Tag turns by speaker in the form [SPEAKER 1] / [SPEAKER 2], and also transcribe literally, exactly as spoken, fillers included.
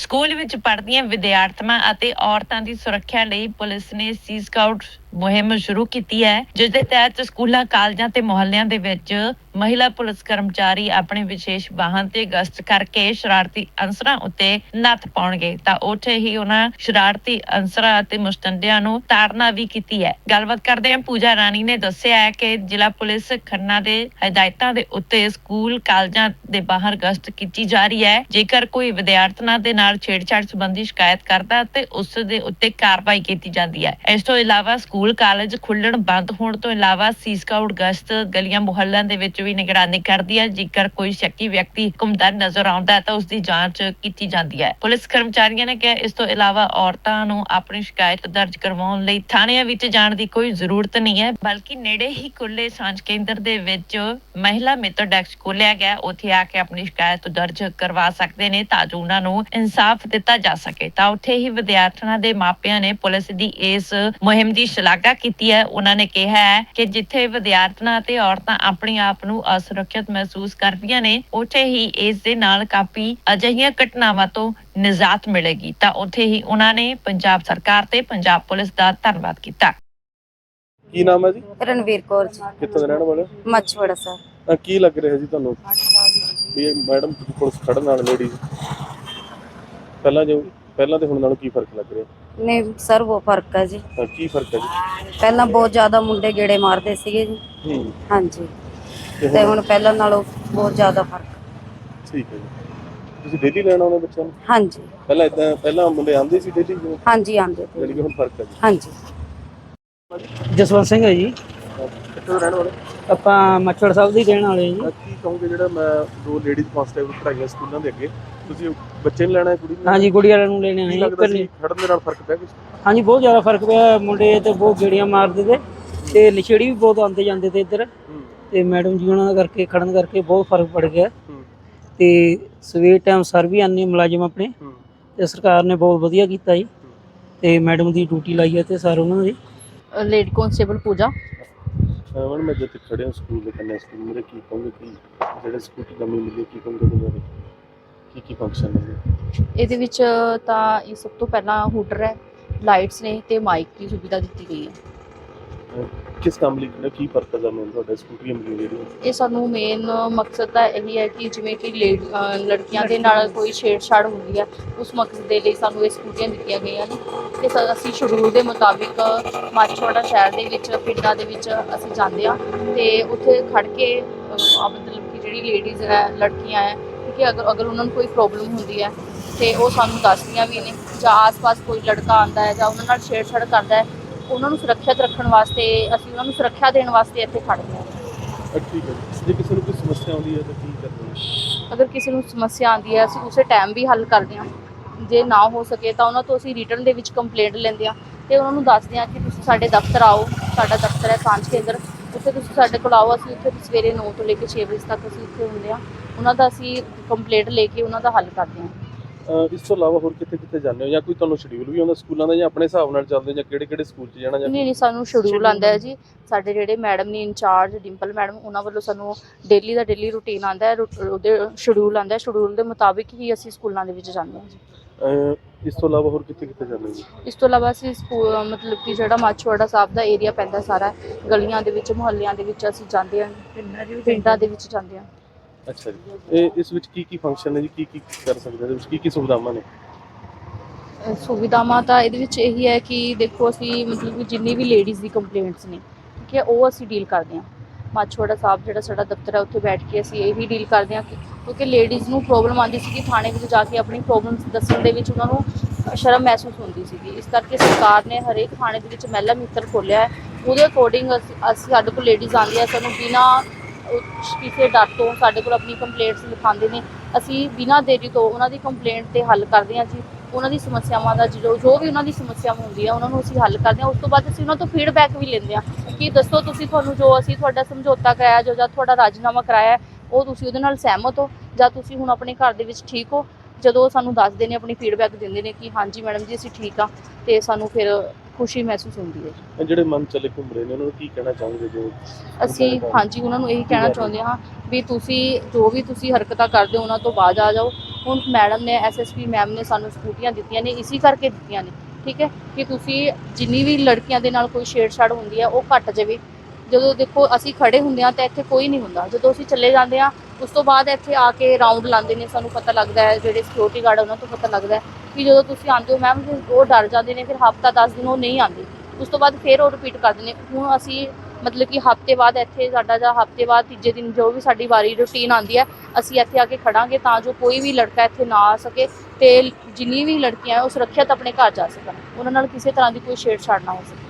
[SPEAKER 1] School ਵਿੱਚ ਪੜ੍ਹਦੀਆਂ ਵਿਦਿਆਰਥਣਾਂ ਅਤੇ ਔਰਤਾਂ ਦੀ ਸੁਰੱਖਿਆ ਲਈ ਪੁਲਿਸ ਨੇ ਸੀ ਸਕਾਊਟ ਮੁਹਿੰਮ ਸ਼ੁਰੂ ਕੀਤੀ ਹੈ, ਜਿਸ ਦੇ ਤਹਿਤ ਸਕੂਲਾਂ, ਕਾਲਜਾਂ ਤੇ ਮੁਹੱਲਿਆਂ ਦੇ ਵਿੱਚ ਮਹਿਲਾ ਪੁਲਿਸ ਕਰਮਚਾਰੀ ਆਪਣੇ ਵਿਸ਼ੇਸ਼ ਵਾਹਨ ਤੇ ਗਸ਼ਤ ਕਰਕੇ ਸ਼ਰਾਰਤੀ ਅਨਸਰਾਂ ਉੱਤੇ ਨੱਥ ਪਾਉਣਗੇ। ਤਾਂ ਉੱਥੇ ਹੀ ਉਹਨਾਂ ਸ਼ਰਾਰਤੀ ਅਨਸਰਾਂ ਅਤੇ ਮੁਸ਼ਤੰਡਿਆਂ ਨੂੰ ਤਾੜਨਾ ਵੀ ਕੀਤੀ ਹੈ। ਗੱਲਬਾਤ ਕਰਦੇ ਹਾਂ, ਪੂਜਾ ਰਾਣੀ ਨੇ ਦੱਸਿਆ ਹੈ ਕਿ ਜ਼ਿਲ੍ਹਾ ਪੁਲਿਸ ਖੰਨਾ ਦੇ ਹਦਾਇਤਾਂ ਦੇ ਉੱਤੇ ਸਕੂਲ, ਕਾਲਜਾਂ ਦੇ ਬਾਹਰ ਗਸ਼ਤ ਕੀਤੀ ਜਾ ਰਹੀ ਹੈ। ਜੇਕਰ ਕੋਈ ਵਿਦਿਆਰਥਣਾਂ ਦੇ ਨਾਲ ਛੇੜਛਾੜ ਸੰਬੰਧੀ ਸ਼ਿਕਾਇਤ ਕਰਦਾ ਤੇ ਉਸ ਦੇ ਉੱਤੇ ਕਾਰਵਾਈ ਕੀਤੀ ਜਾਂਦੀ ਹੈ। ਇਸ ਤੋਂ ਇਲਾਵਾ ਸਕੂਲ, ਕਾਲਜ ਖੁੱਲਣ ਬੰਦ ਹੋਣ ਤੋਂ ਇਲਾਵਾ ਸੀ ਸਕਾਊਟ ਗਸ਼ਤ ਗਲੀਆਂ ਮੁਹੱਲਿਆਂ ਦੇ ਵਿੱਚ ਵੀ ਨਿਗਰਾਨੀ ਕਰਦੀ ਹੈ। ਜੇਕਰ ਕੋਈ ਸ਼ੱਕੀ ਵਿਅਕਤੀ ਘੁੰਮਦਾ ਨਜ਼ਰ ਆਉਂਦਾ ਹੈ ਤਾਂ ਉਸ ਦੀ ਜਾਂਚ ਕੀਤੀ ਜਾਂਦੀ ਹੈ। ਪੁਲਿਸ ਕਰਮਚਾਰੀਆਂ ਨੇ ਕਿਹਾ, ਇਸ ਤੋਂ ਇਲਾਵਾ ਔਰਤਾਂ ਨੂੰ ਆਪਣੀ ਸ਼ਿਕਾਇਤ ਦਰਜ ਕਰਵਾਉਣ ਲਈ ਥਾਣਿਆਂ ਵਿੱਚ ਜਾਣ ਦੀ ਕੋਈ ਜ਼ਰੂਰਤ ਨਹੀਂ ਹੈ, ਬਲਕਿ ਨੇੜੇ ਹੀ ਖੁੱਲੇ ਸਾਂਝ ਕੇਂਦਰ ਦੇ ਵਿੱਚ ਮਹਿਲਾ ਮਿੱਤਰ ਡੈਸਕ ਖੋਲਿਆ ਗਿਆ, ਉੱਥੇ ਆ ਕੇ ਆਪਣੀ ਸ਼ਿਕਾਇਤ ਦਰਜ ਕਰਵਾ ਸਕਦੇ ਨੇ ਤਾਂ ਜੋ ਉਹਨਾਂ ਨੂੰ ਇਨਸਾਫ ਦਿੱਤਾ ਜਾ ਸਕੇ। ਤਾਂ ਉੱਥੇ ਹੀ ਵਿਦਿਆਰਥਣਾਂ ਦੇ ਮਾਪਿਆਂ ਨੇ ਪੁਲਿਸ ਦੀ ਇਸ ਮੁਹਿੰਮ ਦੀ ਸ਼ਲਾਘਾ ਕੀਤੀ ਹੈ। ਉਹਨਾਂ ਨੇ ਕਿਹਾ ਹੈ ਕਿ ਜਿੱਥੇ ਵਿਦਿਆਰਥਣਾਂ ਅਤੇ ਔਰਤਾਂ ਆਪਣੇ ਆਪ ਨੂੰ ਅਸੁਰੱਖਿਅਤ ਮਹਿਸੂਸ ਕਰਦੀਆਂ ਨੇ, ਉੱਥੇ ਹੀ ਇਸ ਦੇ ਨਾਲ ਕਾਫੀ ਅਜਿਹੀਆਂ ਘਟਨਾਵਾਂ ਤੋਂ ਨਿਜਾਤ ਮਿਲੇਗੀ। ਤਾਂ ਉੱਥੇ ਹੀ ਉਹਨਾਂ ਨੇ ਪੰਜਾਬ ਸਰਕਾਰ ਤੇ ਪੰਜਾਬ ਪੁਲਿਸ ਦਾ ਧੰਨਵਾਦ ਕੀਤਾ।
[SPEAKER 2] ਕੀ ਨਾਮ ਹੈ ਜੀ?
[SPEAKER 3] ਰਣਵੀਰ ਕੌਰ ਜੀ,
[SPEAKER 2] ਕਿੱਥੋਂ ਦੇ ਰਹਿਣ ਵਾਲੇ?
[SPEAKER 3] ਮੱਛਵੜਾ ਸਰ।
[SPEAKER 2] ਤਾਂ ਕੀ ਲੱਗ ਰਿਹਾ ਜੀ ਤੁਹਾਨੂੰ ਵੀ ਇਹ ਮੈਡਮ ਪੁਲਿਸ ਖੜਨ ਨਾਲ ਲੇਡੀਜ਼ ਪਹਿਲਾਂ ਜੋ ਪਹਿਲਾਂ ਤੇ ਹੁਣ ਨਾਲੋਂ ਕੀ ਫਰਕ ਲੱਗ ਰਿਹਾ?
[SPEAKER 3] ਨਹੀਂ ਸਰ, ਬਹੁਤ ਫਰਕ ਹੈ ਜੀ।
[SPEAKER 2] ਤਾਂ ਕੀ ਫਰਕ ਹੈ ਜੀ?
[SPEAKER 3] ਪਹਿਲਾਂ ਬਹੁਤ ਜ਼ਿਆਦਾ ਮੁੰਡੇ ਗੇੜੇ ਮਾਰਦੇ ਸੀਗੇ ਜੀ।
[SPEAKER 2] ਹੂੰ,
[SPEAKER 3] ਹਾਂਜੀ, ਤੇ ਹੁਣ ਪਹਿਲਾਂ ਨਾਲੋਂ ਬਹੁਤ ਜ਼ਿਆਦਾ ਫਰਕ।
[SPEAKER 2] ਠੀਕ ਹੈ ਜੀ। ਤੁਸੀਂ ਡੇਲੀ ਲੈਣ ਆਉਂਦੇ ਬੱਚਿਆਂ ਨੂੰ?
[SPEAKER 3] ਹਾਂਜੀ
[SPEAKER 2] ਪਹਿਲਾਂ ਇਦਾਂ ਪਹਿਲਾਂ ਮੁੰਡੇ ਆਉਂਦੇ ਸੀ ਡੇਲੀ?
[SPEAKER 3] ਹਾਂਜੀ ਆਉਂਦੇ ਤੇ।
[SPEAKER 2] ਜਿਹੜੀ ਕਿ ਹੁਣ ਫਰਕ ਹੈ ਜੀ।
[SPEAKER 3] ਹਾਂਜੀ।
[SPEAKER 4] ਜਸਵੰਤ ਸਿੰਘ ਹੈ ਜੀ।
[SPEAKER 2] ਕਿੱਥੋਂ ਦੇ ਰਹਿਣ ਵਾਲੇ?
[SPEAKER 4] ਆਪਾਂ ਮੱਛੜ ਸਾਹਿਬ ਦੀ ਰਹਿਣ ਵਾਲੇ ਜੀ।
[SPEAKER 2] ਕੀ ਕਹੋਗੇ ਜਿਹੜਾ ਮੈਂ ਦੋ ਲੇਡੀਜ਼ ਕਾਂਸਟੇਬਲ ਪੜਾਈਆਂ ਸਕੂਲਾਂ ਦੇ ਅੱਗੇ, ਤੁਸੀਂ ਬੱਚੇ ਨੂੰ ਲੈਣਾ ਹੈ ਕੁੜੀ ਨੂੰ?
[SPEAKER 4] ਹਾਂਜੀ, ਕੁੜੀ ਵਾਲਿਆਂ ਨੂੰ ਲੈਣੇ ਆਏ
[SPEAKER 2] ਲੱਗਦਾ ਸੀ ਖੜਨ ਦੇ ਨਾਲ ਫਰਕ ਪਿਆ ਕੁਝ?
[SPEAKER 4] ਹਾਂਜੀ, ਬਹੁਤ ਜ਼ਿਆਦਾ ਫਰਕ ਪਿਆ। ਮੁੰਡੇ ਤੇ ਬਹੁਤ ਗੇੜੀਆਂ ਮਾਰਦੇ ਤੇ ਤੇ ਲਿਛੜੀ ਵੀ ਬਹੁਤ ਆਉਂਦੇ ਜਾਂਦੇ ਤੇ ਇੱਧਰ, ਤੇ ਮੈਡਮ ਜੀ ਉਹਨਾਂ ਦਾ ਕਰਕੇ ਖੜਨ ਕਰਕੇ ਬਹੁਤ ਫਰਕ ਪੜ ਗਿਆ। ਤੇ ਸਵੇਰ ਟਾਈਮ ਸਰ ਵੀ ਆਉਂਦੇ ਮੁਲਾਜ਼ਮ ਆਪਣੇ, ਤੇ ਸਰਕਾਰ ਨੇ ਬਹੁਤ ਵਧੀਆ ਕੀਤਾ ਜੀ। ਤੇ ਮੈਡਮ ਦੀ ਡਿਊਟੀ ਲਾਈ ਹੈ ਤੇ ਸਰ ਉਹਨਾਂ ਦੀ।
[SPEAKER 5] Lady constable Pooja.
[SPEAKER 2] ਮੈਡਮ ਮੈਂ ਜਿੱਥੇ ਖੜਿਆ ਸਕੂਲ ਦੇ ਕੰਨੇ, ਸਕੂਲ ਮੇਰੇ ਕੀ ਕਹੋਗੇ ਕਿ ਜਿਹੜੇ ਸਕੂਲ ਦੀ ਨਵੀਂ ਮਿਲੀ, ਕੀ ਕਹੋਗੇ ਉਹਦੇ ਬਾਰੇ? ਕੀ ਕੀ ਫੰਕਸ਼ਨ ਨੇ
[SPEAKER 5] ਇਹਦੇ ਵਿੱਚ? ਤਾਂ ਇਹ ਸਭ ਤੋਂ ਪਹਿਲਾਂ ਹੂਟਰ ਹੈ, ਲਾਈਟਸ ਨੇ ਤੇ ਮਾਈਕ ਦੀ ਸੁਵਿਧਾ ਦਿੱਤੀ ਗਈ ਹੈ।
[SPEAKER 2] ਕਿਸ ਕੰਮ ਲਈ ਕਿਹੜਾ ਕੀ ਪਰਪਸ ਹੈ ਮੈਨੂੰ ਤੁਹਾਡਾ ਸਕੂਟਰੀ ਮਿਲੀ ਜਿਹੜੀ? ਇਹ
[SPEAKER 5] ਸਾਨੂੰ ਮੇਨ ਮਕਸਦ ਤਾਂ ਇਹੀ ਹੈ ਕਿ ਜਿਵੇਂ ਕਿ ਲੜਕੀਆਂ ਦੇ ਨਾਲ ਕੋਈ ਛੇੜਛਾੜ ਹੁੰਦੀ ਹੈ, ਉਸ ਮਕਸਦ ਦੇ ਲਈ ਸਾਨੂੰ ਇਹ ਸਕੂਟਰੀਆਂ ਦਿੱਤੀਆਂ ਗਈਆਂ ਨੇ। ਤੇ ਅਸੀਂ ਸ਼ਡਿਊਲ ਦੇ ਮੁਤਾਬਿਕ ਮਾਛੀਵਾੜਾ ਸ਼ਹਿਰ ਦੇ ਵਿੱਚ, ਪਿੰਡਾਂ ਦੇ ਵਿੱਚ ਅਸੀਂ ਜਾਂਦੇ ਹਾਂ ਤੇ ਉੱਥੇ ਖੜ ਕੇ ਮਤਲਬ ਕਿ ਜਿਹੜੀ ਲੇਡੀਜ਼ ਹੈ, ਲੜਕੀਆਂ ਹੈ, ਕਿ ਅਗਰ ਅਗਰ ਉਹਨਾਂ ਨੂੰ ਕੋਈ ਪ੍ਰੋਬਲਮ ਹੁੰਦੀ ਹੈ ਤੇ ਉਹ ਸਾਨੂੰ ਦੱਸਦੀਆਂ ਵੀ ਨੇ, ਜਾਂ ਆਸ-ਪਾਸ ਕੋਈ ਲੜਕਾ ਆਉਂਦਾ ਹੈ ਜਾਂ ਉਹਨਾਂ ਨਾਲ ਛੇੜਛਾੜ ਕਰਦਾ ਹੈ, ਉਹਨਾਂ ਨੂੰ ਸੁਰੱਖਿਅਤ ਰੱਖਣ ਵਾਸਤੇ ਅਸੀਂ ਉਹਨਾਂ ਨੂੰ ਸੁਰੱਖਿਆ ਦੇਣ ਵਾਸਤੇ ਇੱਥੇ ਖੜ੍ਹਦੇ ਹਾਂ।
[SPEAKER 2] ਠੀਕ ਹੈ ਜੀ। ਜੇ ਕਿਸੇ ਨੂੰ ਕੋਈ ਸਮੱਸਿਆ ਆਉਂਦੀ ਹੈ ਤਾਂ ਕੀ ਕਰਦੇ ਹੋ?
[SPEAKER 5] ਅਗਰ ਕਿਸੇ ਨੂੰ ਸਮੱਸਿਆ ਆਉਂਦੀ ਹੈ, ਅਸੀਂ ਉਸੇ ਟਾਈਮ ਵੀ ਹੱਲ ਕਰਦੇ ਹਾਂ। ਜੇ ਨਾ ਹੋ ਸਕੇ ਤਾਂ ਉਹਨਾਂ ਤੋਂ ਅਸੀਂ ਰਿਟਰਨ ਦੇ ਵਿੱਚ ਕੰਪਲੇਂਟ ਲੈਂਦੇ ਹਾਂ ਤੇ ਉਹਨਾਂ ਨੂੰ ਦੱਸਦੇ ਹਾਂ ਕਿ ਤੁਸੀਂ ਸਾਡੇ ਦਫ਼ਤਰ ਆਓ। ਸਾਡਾ ਦਫ਼ਤਰ ਹੈ ਸਾਂਝ ਕੇਂਦਰ, ਉੱਥੇ ਤੁਸੀਂ ਸਾਡੇ ਕੋਲ ਆਓ। ਅਸੀਂ ਉੱਥੇ ਸਵੇਰੇ ਨੌ ਤੋਂ ਲੈ ਕੇ ਛੇ ਵਜੇ ਤੱਕ ਅਸੀਂ ਉੱਥੇ ਹੁੰਦੇ ਹਾਂ। ਉਹਨਾਂ ਦਾ ਅਸੀਂ ਕੰਪਲੇਂਟ ਲੈ ਕੇ ਉਹਨਾਂ ਦਾ ਹੱਲ ਕਰਦੇ ਹਾਂ।
[SPEAKER 2] ਇਸ ਤੋਂ ਇਲਾਵਾ ਹੋਰ ਕਿੱਥੇ ਕਿੱਥੇ ਜਾਂਦੇ ਹੋ, ਜਾਂ ਕੋਈ ਤੁਹਾਨੂੰ ਸ਼ਡਿਊਲ ਵੀ ਆਉਂਦਾ ਸਕੂਲਾਂ ਦਾ, ਜਾਂ ਆਪਣੇ ਹਿਸਾਬ ਨਾਲ ਚੱਲਦੇ, ਜਾਂ ਕਿਹੜੇ ਕਿਹੜੇ ਸਕੂਲ 'ਚ ਜਾਣਾ? ਜਾਂ
[SPEAKER 5] ਨਹੀਂ ਨਹੀਂ, ਸਾਨੂੰ ਸ਼ਡਿਊਲ ਆਉਂਦਾ ਹੈ ਜੀ। ਸਾਡੇ ਜਿਹੜੇ ਮੈਡਮ ਨੇ ਇੰਚਾਰਜ, ਡਿੰਪਲ ਮੈਡਮ, ਉਹਨਾਂ ਵੱਲੋਂ ਸਾਨੂੰ ਡੇਲੀ ਦਾ ਡੇਲੀ ਰੂਟੀਨ ਆਉਂਦਾ ਹੈ, ਉਹਦੇ ਸ਼ਡਿਊਲ ਆਉਂਦਾ ਹੈ। ਸ਼ਡਿਊਲ ਦੇ ਮੁਤਾਬਿਕ ਹੀ ਅਸੀਂ ਸਕੂਲਾਂ ਦੇ ਵਿੱਚ ਜਾਂਦੇ ਹਾਂ ਜੀ।
[SPEAKER 2] ਇਸ ਤੋਂ ਇਲਾਵਾ ਹੋਰ ਕਿੱਥੇ ਕਿੱਥੇ ਜਾਂਦੇ ਜੀ?
[SPEAKER 5] ਇਸ ਤੋਂ ਇਲਾਵਾ ਅਸੀਂ ਸਕੂਲ ਮਤਲਬ ਕਿ ਜਿਹੜਾ ਮਾਛੀਵਾੜਾ ਸਾਹਿਬ ਦਾ ਏਰੀਆ ਪੈਂਦਾ ਸਾਰਾ, ਗਲੀਆਂ ਦੇ ਵਿੱਚ, ਮੁਹੱਲਿਆਂ ਦੇ ਵਿੱਚ ਅਸੀਂ ਜਾਂਦੇ ਹਾਂ, ਪਿੰਡਾਂ ਦੇ ਵਿੱਚ ਜਾਂਦੇ ਹਾਂ।
[SPEAKER 2] ਅੱਛਾ ਜੀ। ਇਹ ਇਸ ਵਿੱਚ ਕੀ ਕੀ ਫੰਕਸ਼ਨ ਨੇ ਜੀ, ਕੀ ਕੀ ਕਰ ਸਕਦੇ ਇਹਦੇ ਵਿੱਚ, ਕੀ ਕੀ ਸੁਵਿਧਾਵਾਂ ਨੇ?
[SPEAKER 5] ਸੁਵਿਧਾਵਾਂ ਤਾਂ ਇਹਦੇ ਵਿੱਚ ਇਹੀ ਹੈ ਕਿ ਦੇਖੋ, ਅਸੀਂ ਮਤਲਬ ਕਿ ਜਿੰਨੀ ਵੀ ਲੇਡੀਜ਼ ਦੀ ਕੰਪਲੇਂਟਸ ਨੇ, ਠੀਕ ਹੈ, ਉਹ ਅਸੀਂ ਡੀਲ ਕਰਦੇ ਹਾਂ। ਮਾਛੀਵਾੜਾ ਸਾਹਿਬ ਜਿਹੜਾ ਸਾਡਾ ਦਫ਼ਤਰ ਹੈ, ਉੱਥੇ ਬੈਠ ਕੇ ਅਸੀਂ ਇਹੀ ਡੀਲ ਕਰਦੇ ਹਾਂ, ਕਿਉਂਕਿ ਲੇਡੀਜ਼ ਨੂੰ ਪ੍ਰੋਬਲਮ ਆਉਂਦੀ ਸੀ ਕਿ ਥਾਣੇ ਵਿੱਚ ਜਾ ਕੇ ਆਪਣੀ ਪ੍ਰੋਬਲਮਸ ਦੱਸਣ ਦੇ ਵਿੱਚ ਉਹਨਾਂ ਨੂੰ ਸ਼ਰਮ ਮਹਿਸੂਸ ਹੁੰਦੀ ਸੀਗੀ। ਇਸ ਕਰਕੇ ਸਰਕਾਰ ਨੇ ਹਰੇਕ ਥਾਣੇ ਦੇ ਵਿੱਚ ਮਹਿਲਾ ਮਿੱਤਰ ਖੋਲ੍ਹਿਆ ਹੈ। ਉਹਦੇ ਅਕੋਰਡਿੰਗ ਅਸੀਂ ਅਸੀਂ ਸਾਡੇ ਕੋਲ ਲੇਡੀਜ਼ ਆਉਂਦੀਆਂ, ਸਾਨੂੰ ਬਿਨਾਂ ਕਿਸੇ ਡਰ ਤੋਂ ਸਾਡੇ ਕੋਲ ਆਪਣੀ ਕੰਪਲੇਂਟਸ ਲਿਖਾਉਂਦੇ ਨੇ। ਅਸੀਂ ਬਿਨਾਂ ਦੇਰੀ ਤੋਂ ਉਹਨਾਂ ਦੀ ਕੰਪਲੇਂਟ 'ਤੇ ਹੱਲ ਕਰਦੇ ਹਾਂ ਜੀ। ਉਹਨਾਂ ਦੀ ਸਮੱਸਿਆਵਾਂ ਦਾ ਜੋ ਜੋ ਵੀ ਉਹਨਾਂ ਦੀ ਸਮੱਸਿਆਵਾਂ ਹੁੰਦੀ ਹੈ, ਉਹਨਾਂ ਨੂੰ ਅਸੀਂ ਹੱਲ ਕਰਦੇ ਹਾਂ। ਉਸ ਤੋਂ ਬਾਅਦ ਅਸੀਂ ਉਹਨਾਂ ਤੋਂ ਫੀਡਬੈਕ ਵੀ ਲੈਂਦੇ ਹਾਂ ਕਿ ਦੱਸੋ ਤੁਸੀਂ, ਤੁਹਾਨੂੰ ਜੋ ਅਸੀਂ ਤੁਹਾਡਾ ਸਮਝੌਤਾ ਕਰਾਇਆ, ਜੋ ਜਾਂ ਤੁਹਾਡਾ ਰਾਜੀਨਾਮਾ ਕਰਾਇਆ, ਉਹ ਤੁਸੀਂ ਉਹਦੇ ਨਾਲ ਸਹਿਮਤ ਹੋ, ਜਾਂ ਤੁਸੀਂ ਹੁਣ ਆਪਣੇ ਘਰ ਦੇ ਵਿੱਚ ਠੀਕ ਹੋ। ਜਦੋਂ ਉਹ ਸਾਨੂੰ ਦੱਸਦੇ ਨੇ, ਆਪਣੀ ਫੀਡਬੈਕ ਦਿੰਦੇ ਨੇ ਕਿ ਹਾਂਜੀ ਮੈਡਮ ਜੀ ਅਸੀਂ ਠੀਕ ਹਾਂ, ਅਤੇ ਸਾਨੂੰ ਫਿਰ ਖੁਸ਼ੀ ਮਹਿਸੂਸ ਹੁੰਦੀ ਹੈ।
[SPEAKER 2] ਇਹ ਜਿਹੜੇ ਮਨ ਚਲੇ ਘੁੰਮ ਰਹੇ ਨੇ ਉਹਨਾਂ ਨੂੰ ਕੀ ਕਹਿਣਾ ਚਾਹੋਗੇ ਜੋ
[SPEAKER 5] ਅਸੀਂ ਹਾਂਜੀ ਉਹਨਾਂ ਨੂੰ ਇਹੀ ਕਹਿਣਾ ਚਾਹੁੰਦੇ ਹਾਂ ਵੀ ਤੁਸੀਂ ਜੋ ਵੀ ਤੁਸੀਂ ਹਰਕਤਾਂ ਕਰਦੇ ਹੋ ਉਹਨਾਂ ਤੋਂ ਬਾਅਦ ਆ ਜਾਓ। ਹੁਣ ਮੈਡਮ ਨੇ ਐਸਐਸਪੀ ਮੈਮ ਨੇ ਸਾਨੂੰ ਸਕੂਟੀਆਂ ਦਿੱਤੀਆਂ ਨੇ ਇਸੀ ਕਰਕੇ ਦਿੱਤੀਆਂ ਨੇ, ਠੀਕ ਹੈ, ਕਿ ਤੁਸੀਂ ਜਿੰਨੀ ਵੀ ਲੜਕੀਆਂ ਦੇ ਨਾਲ ਕੋਈ ਛੇੜਛਾੜ ਹੁੰਦੀ ਹੈ ਉਹ ਘੱਟ ਜਾਵੇ। ਜਦੋਂ ਦੇਖੋ ਅਸੀਂ ਖੜੇ ਹੁੰਦੇ ਹਾਂ ਤਾਂ ਇੱਥੇ ਕੋਈ ਨਹੀਂ ਹੁੰਦਾ, ਜਦੋਂ ਅਸੀਂ ਚਲੇ ਜਾਂਦੇ ਹਾਂ ਉਸ ਤੋਂ ਬਾਅਦ ਇੱਥੇ ਆ ਕੇ ਰਾਊਂਡ ਲਾਉਂਦੇ ਨੇ, ਸਾਨੂੰ ਪਤਾ ਲੱਗਦਾ ਹੈ, ਜਿਹੜੇ ਸਿਕਿਉਰਿਟੀ ਗਾਰਡ ਉਹਨਾਂ ਤੋਂ ਪਤਾ ਲੱਗਦਾ ਹੈ ਕਿ ਜਦੋਂ ਤੁਸੀਂ ਆਉਂਦੇ ਹੋ ਮੈਮ ਉਹ ਡਰ ਜਾਂਦੇ ਨੇ, ਫਿਰ ਹਫ਼ਤਾ ਦਸ ਦਿਨ ਉਹ ਨਹੀਂ ਆਉਂਦੇ, ਉਸ ਤੋਂ ਬਾਅਦ ਫਿਰ ਉਹ ਰਿਪੀਟ ਕਰਦੇ ਨੇ। ਹੁਣ ਅਸੀਂ ਮਤਲਬ ਕਿ ਹਫ਼ਤੇ ਬਾਅਦ ਇੱਥੇ ਸਾਡਾ ਜਾਂ ਹਫ਼ਤੇ ਬਾਅਦ ਤੀਜੇ ਦਿਨ ਜੋ ਵੀ ਸਾਡੀ ਵਾਰੀ ਰੂਟੀਨ ਆਉਂਦੀ ਹੈ ਅਸੀਂ ਇੱਥੇ ਆ ਕੇ ਖੜਾਂਗੇ ਤਾਂ ਜੋ ਕੋਈ ਵੀ ਲੜਕਾ ਇੱਥੇ ਨਾ ਆ ਸਕੇ ਤੇ ਜਿੰਨੀ ਵੀ ਲੜਕੀਆਂ ਉਹ ਸੁਰੱਖਿਅਤ ਆਪਣੇ ਘਰ ਜਾ ਸਕਣ, ਉਹਨਾਂ ਨਾਲ ਕਿਸੇ ਤਰ੍ਹਾਂ ਦੀ ਕੋਈ ਛੇੜਛਾੜ ਨਾ ਹੋ ਸਕੇ।